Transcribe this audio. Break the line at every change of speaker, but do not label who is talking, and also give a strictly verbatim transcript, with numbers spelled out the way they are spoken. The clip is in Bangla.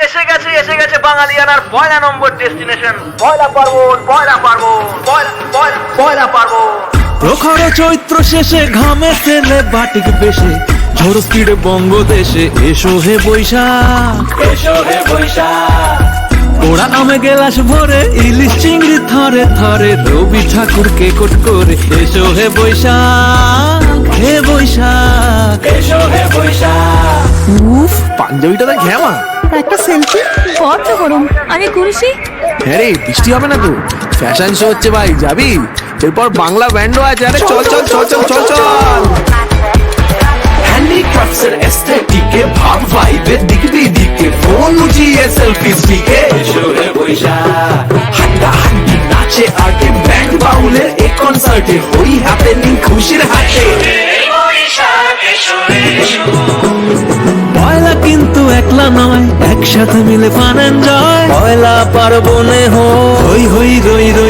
এসে গেছে এসে গেছে বাঙালিয়ানার পয়লা নম্বর ডেস্টিনেশন পয়লা পার্বণ পয়লা পার্বণ পয়লা পয়লা পয়লা পার্বণ।
প্রখর চৈত্র শেষে ঘামে ফেলে বাটিক বেশে ঝড় স্পিডে বঙ্গদেশে এসো হে বৈশাখ, এসো হে বৈশাখ। ওরা আমে গেলাস ভরে ইলিশ চিংড়ি থরে থরে রবি ঠাকুরকে কোট করে এসো হে বৈশাখ, হে বৈশাখ, এসো হে বৈশাখ। উফ, পাঞ্জাবিটাতে ঘ্যামা।
একটা সেলফি বড্ড গরম, আগে করিসি।
হ্যাঁ রে, বৃষ্টি হবে না তো? ফ্যাশন শো হচ্ছে ভাই, যাবি? এরপর বাংলা ব্যান্ডও আছে। আরে চল চল চল চল চল চল। হ্যান্ডিক্রাফটস এর এস্থেটিকে ভাব ভাইবের দিক দিকে ফোন উঠিয়ে সেলফি স্টিকে এসো হে বৈশাখ। হাড্ডা হাড্ডি নাচে আগে ব্যান্ড বাউলের এই কনসার্টে হই হ্যাপেনিং খুশির হাতে। পয়লা কিন্তু একলা নয়, একসাথে মিলে ফান এনজয়। পয়লা পার্বণে হই হই রই রই